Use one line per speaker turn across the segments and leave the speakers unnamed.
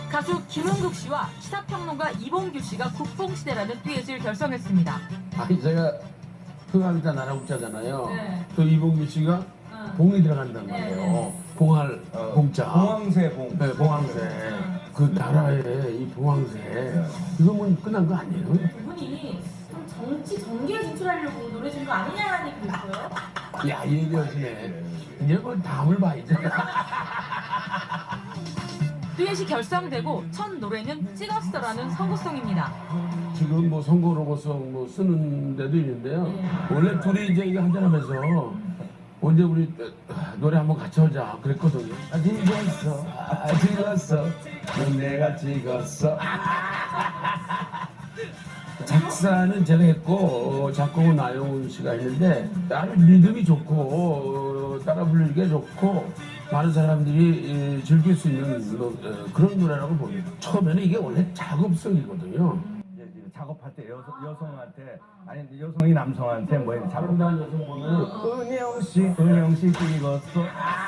가수 김은국 씨와 시사평론가 이봉규 씨가 국뽕시대라는 듀엣을 결성했습니다.
아니 제가 흥하기자 나라국자잖아요.
네.
또 이봉규 씨가 봉이 들어간단 말이에요.
네.
봉할 봉자.
봉황새 봉.
네, 봉황새. 그 나라의 이 봉황새. 이거 뭐 끝난 거 아니에요?
두 분이 좀 정치 전기에 진출하려고 노래 준 거 아니냐라는 얘기도 있어요.
야, 얘기하시네. 이제 뭐 다음을 봐야지.
듀엣이 결성되고 첫 노래는 찍었어라는 선구송입니다.
지금 뭐 선거로고송 뭐 쓰는 데도 있는데요. 원래 둘이 이제 이거 한잔하면서 언제 우리 노래 한번 같이 하자 그랬거든요. 찍었어. 넌 내가 찍었어. 작사는 제가 했고 작곡은 나영훈 씨가 했는데 아주 리듬이 좋고 따라 부르기가 좋고 많은 사람들이 즐길 수 있는 그런 노래라고 봅니다. 처음에는 이게 원래 작업성이거든요.
작업할 때 여성한테 아니 여성이 남성한테 뭐
작업한 여성 보면
은영 씨 찍었어.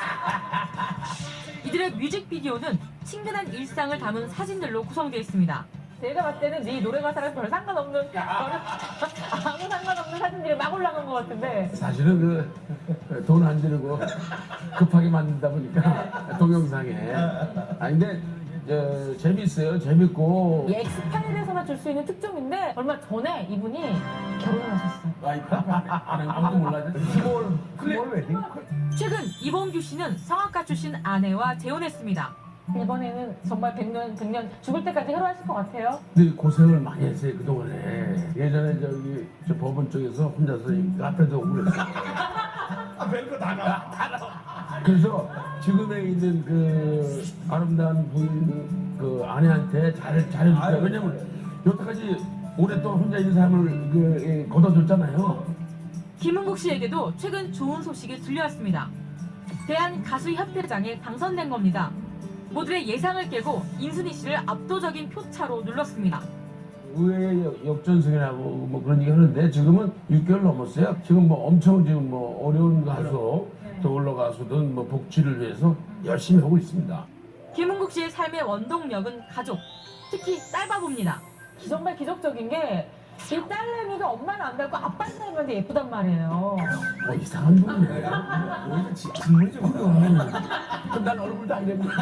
이들의 뮤직비디오는 친근한 일상을 담은 사진들로 구성되어 있습니다.
제가 봤을 때는 네 노래 가사랑 별 상관없는 아무 상관없는 사진들이 막 올라간 것 같은데.
사실은 그 돈 안 들고 급하게 만든다 보니까 동영상에 근데 재밌어요. 재밌고
이 엑스파일에서만 줄 수 있는 특종인데 얼마 전에 이분이 결혼을 하셨어요.
아무도 몰라요.
스몰 웨딩.
최근 이봉규 씨는 성악가 출신 아내와 재혼했습니다.
이번에는 정말 100년 죽을 때까지 해로하실 것 같아요.
근데 고생을 많이 했어요 그동안에. 예전에 저 법원 쪽에서 혼자서 카페도 오고 그랬어요.
별거 다 나와.
그래서 지금에 있는 그 아름다운 부인 그 아내한테 잘해줄게요. 왜냐면 여태까지 오랫동안 혼자 있는 삶을 걷어줬잖아요.
김은국 씨에게도 최근 좋은 소식이 들려왔습니다. 대한가수협회장에 당선된 겁니다. 모두의 예상을 깨고 인순이 씨를 압도적인 표차로 눌렀습니다.
의회의 역전승이라고 뭐 그런 얘기 하는데 지금은 6개월 넘었어요. 지금 뭐 엄청 지금 뭐 어려운 가수, 더올러 가수든 뭐 복지를 위해서 열심히 하고 있습니다.
김은국 씨의 삶의 원동력은 가족, 특히 딸바보입니다.
정말 기적적인 게 이 딸내미가 엄마는 안 닮고 아빠는 닮았는데 예쁘단 말이에요.
이상한 분이네. 오히려 질문이 좀 그럼 난 얼굴도 안 되는데.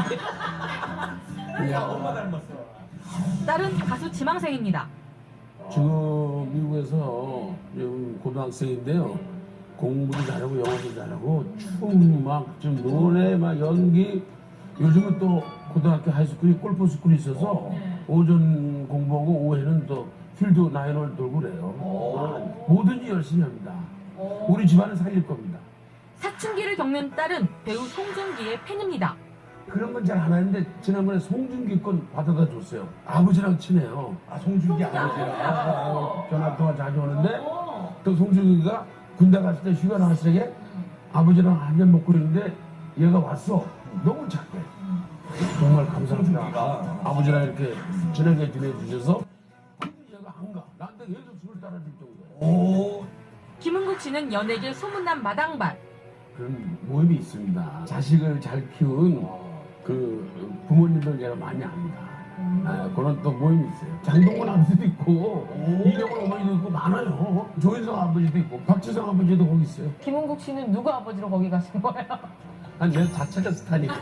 엄마 닮았어.
딸은 가수 지망생입니다.
지금 미국에서 지금 고등학생인데요. 공부도 잘하고 영어도 잘하고 춤 막 좀 노래 막 연기. 요즘은 또 고등학교 하이스쿨이 골프 스쿨이 있어서 오전 공부하고 오후에는 또 필드 나인홀 돌고 그래요. 뭐든지 열심히 합니다. 우리 집안을 살릴 겁니다.
사춘기를 겪는 딸은 배우 송중기의 팬입니다.
그런 건 잘 안 하는데 지난번에 송중기 건 받아다 줬어요. 아버지랑 친해요.
송중기
아버지랑 전화 통화 자주 오는데 또 송중기가 군대 갔을 때 휴가 나왔을 때 아버지랑 한 잔 먹고 있는데 얘가 왔어. 너무 착해. 정말 감사합니다. 아버지랑 이렇게 친하게 지내주셔서 근데 얘가 안 가. 나한테 계속 술을 따라줄 정도예요.
김은국 씨는 연예계 소문난 마당발.
그런 모임이 있습니다. 자식을 잘 키운 그 부모님들 제가 많이 압니다. 그런 또 모임이 있어요. 장동건 아버지도 있고 이병헌 어머니도 있고 많아요. 조인성 아버지도 있고 박지성 아버지도 거기 있어요.
김은국 씨는 누구 아버지로 거기 가신 거예요?
내 자체가 스타니까.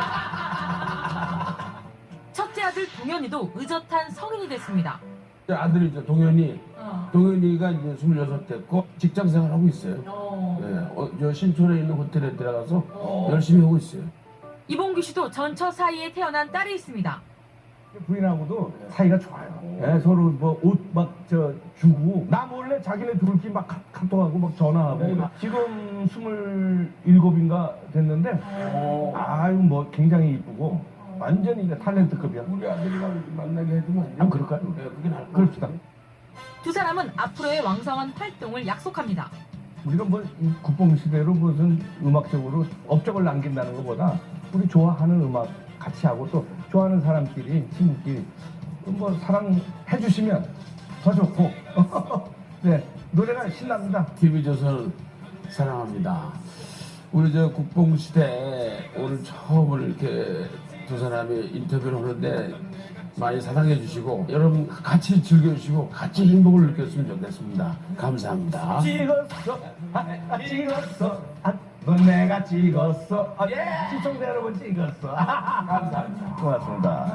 첫째 아들 동현이도 의젓한 성인이 됐습니다.
아들이죠 동현이. 동현이가 이제 26 됐고 직장 생활하고 있어요. 저 신촌에 있는 호텔에 들어가서 열심히 하고 있어요.
이봉규 씨도 전처 사이에 태어난 딸이 있습니다.
부인하고도 사이가 좋아요. 서로 뭐 옷 막 주고 나 몰래 자기네 둘끼리 막 카톡하고 막 전화하고 지금 27인가 됐는데 아유 뭐 굉장히 이쁘고 완전히 탤런트급이야.
우리 아들이랑 만나게 해주면 안 돼요?
그럴까요?
네, 그게 나을 것
그럽시다.
두 사람은 앞으로의 왕성한 활동을 약속합니다.
우리가 뭐 국뽕시대로 무슨 음악적으로 업적을 남긴다는 것보다 우리 좋아하는 음악 같이 하고 또 좋아하는 사람끼리 친구끼리 뭐 사랑해 주시면 더 좋고 네 노래가 신납니다.
TV조선 사랑합니다. 우리 저 국뽕시대 오늘 처음으로 이렇게 두 사람이 인터뷰를 하는데 많이 사랑해 주시고 여러분 같이 즐겨주시고 같이 행복을 느꼈으면 좋겠습니다. 감사합니다.
찍었어, 찍었어, 너 내가 찍었어, 시청자 여러분 찍었어. 감사합니다. 고맙습니다.